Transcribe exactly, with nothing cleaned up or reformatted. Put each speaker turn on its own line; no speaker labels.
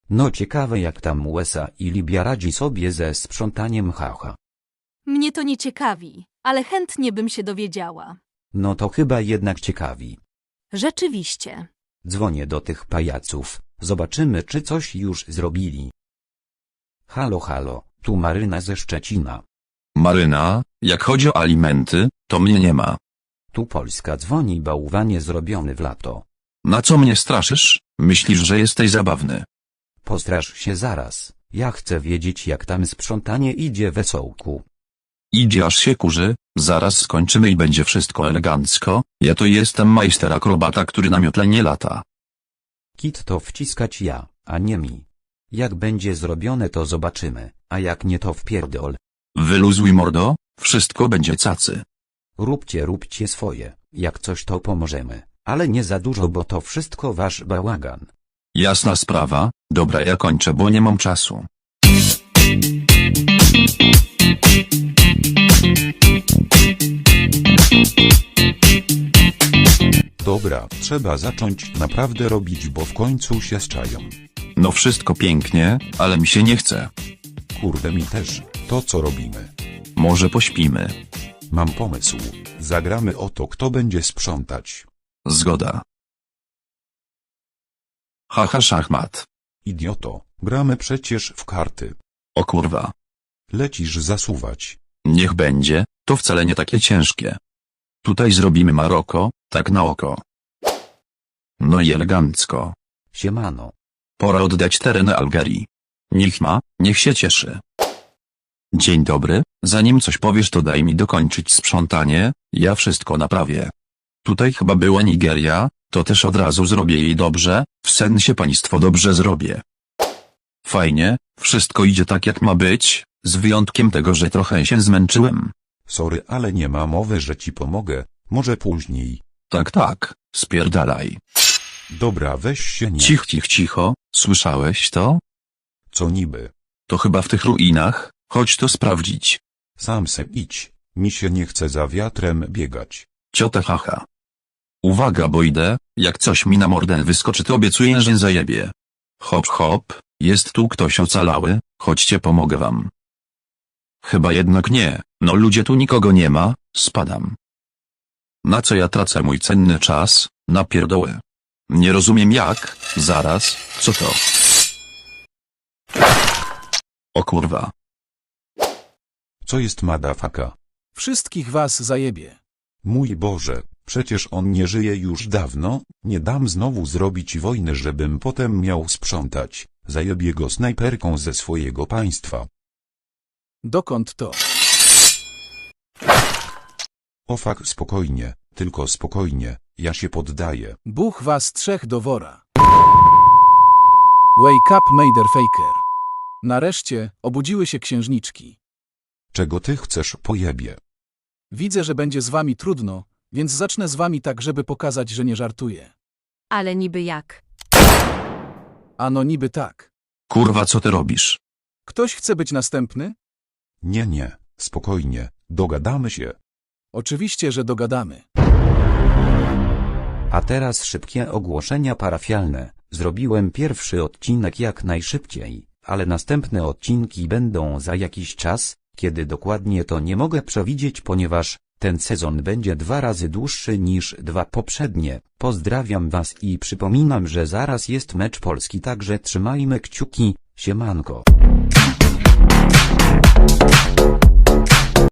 No ciekawe jak tam U S A i Libia radzi sobie ze sprzątaniem, haha.
Mnie to nie ciekawi, ale chętnie bym się dowiedziała.
No to chyba jednak ciekawi.
Rzeczywiście.
Dzwonię do tych pajaców, zobaczymy czy coś już zrobili. Halo halo, tu Maryna ze Szczecina.
Maryna, jak chodzi o alimenty, to mnie nie ma.
Tu Polska dzwoni, bałwanie zrobiony w lato.
Na co mnie straszysz? Myślisz, że jesteś zabawny?
Postrasz się zaraz, ja chcę wiedzieć jak tam sprzątanie idzie, wesołku.
Idzie aż się kurzy, zaraz skończymy i będzie wszystko elegancko, ja to jestem majster akrobata, który na miotle nie lata.
Kit to wciskać ja, a nie mi. Jak będzie zrobione to zobaczymy, a jak nie to wpierdol.
Wyluzuj mordo, wszystko będzie cacy.
Róbcie róbcie swoje, jak coś to pomożemy, ale nie za dużo, bo to wszystko wasz bałagan.
Jasna sprawa, dobra, ja kończę, bo nie mam czasu.
Dobra, trzeba zacząć naprawdę robić, bo w końcu się zczają.
No wszystko pięknie, ale mi się nie chce.
Kurde, mi też. To co robimy?
Może pośpimy.
Mam pomysł. Zagramy o to, kto będzie sprzątać.
Zgoda. Haha, szachmat.
Idioto, gramy przecież w karty.
O kurwa.
Lecisz zasuwać.
Niech będzie, to wcale nie takie ciężkie. Tutaj zrobimy Maroko, tak na oko. No i elegancko.
Siemano.
Pora oddać tereny Algerii. Niech ma, niech się cieszy. Dzień dobry, zanim coś powiesz to daj mi dokończyć sprzątanie, ja wszystko naprawię. Tutaj chyba była Nigeria, to też od razu zrobię jej dobrze, w sensie państwo dobrze zrobię. Fajnie, wszystko idzie tak jak ma być, z wyjątkiem tego, że trochę się zmęczyłem.
Sorry, ale nie ma mowy, że ci pomogę. Może później.
Tak tak, spierdalaj.
Dobra, weź się nie.
Cich cich cicho, słyszałeś to?
Co niby?
To chyba w tych ruinach, chodź to sprawdzić.
Sam se idź. Mi się nie chce za wiatrem biegać.
Ciota haha. Uwaga, bo idę, jak coś mi na mordę wyskoczy to obiecuję, że zajebie. Hop hop, jest tu ktoś ocalały, chodźcie pomogę wam. Chyba jednak nie, no ludzie tu nikogo nie ma, spadam. Na co ja tracę mój cenny czas, na pierdoły. Nie rozumiem jak, zaraz, co to? O kurwa.
Co jest madafaka?
Wszystkich was zajebie.
Mój Boże, przecież on nie żyje już dawno, nie dam znowu zrobić wojny, żebym potem miał sprzątać. Zajebię go snajperką ze swojego państwa.
Dokąd to?
O fuck, spokojnie, tylko spokojnie, ja się poddaję.
Buch was trzech do wora. Wake up, motherfucker. Nareszcie, obudziły się księżniczki.
Czego ty chcesz, pojebie?
Widzę, że będzie z wami trudno, więc zacznę z wami tak, żeby pokazać, że nie żartuję.
Ale niby jak?
Ano niby tak.
Kurwa, co ty robisz?
Ktoś chce być następny?
Nie, nie, spokojnie, dogadamy się.
Oczywiście, że dogadamy.
A teraz szybkie ogłoszenia parafialne. Zrobiłem pierwszy odcinek jak najszybciej, ale następne odcinki będą za jakiś czas, kiedy dokładnie to nie mogę przewidzieć, ponieważ ten sezon będzie dwa razy dłuższy niż dwa poprzednie. Pozdrawiam was i przypominam, że zaraz jest mecz Polski, także trzymajmy kciuki, siemanko.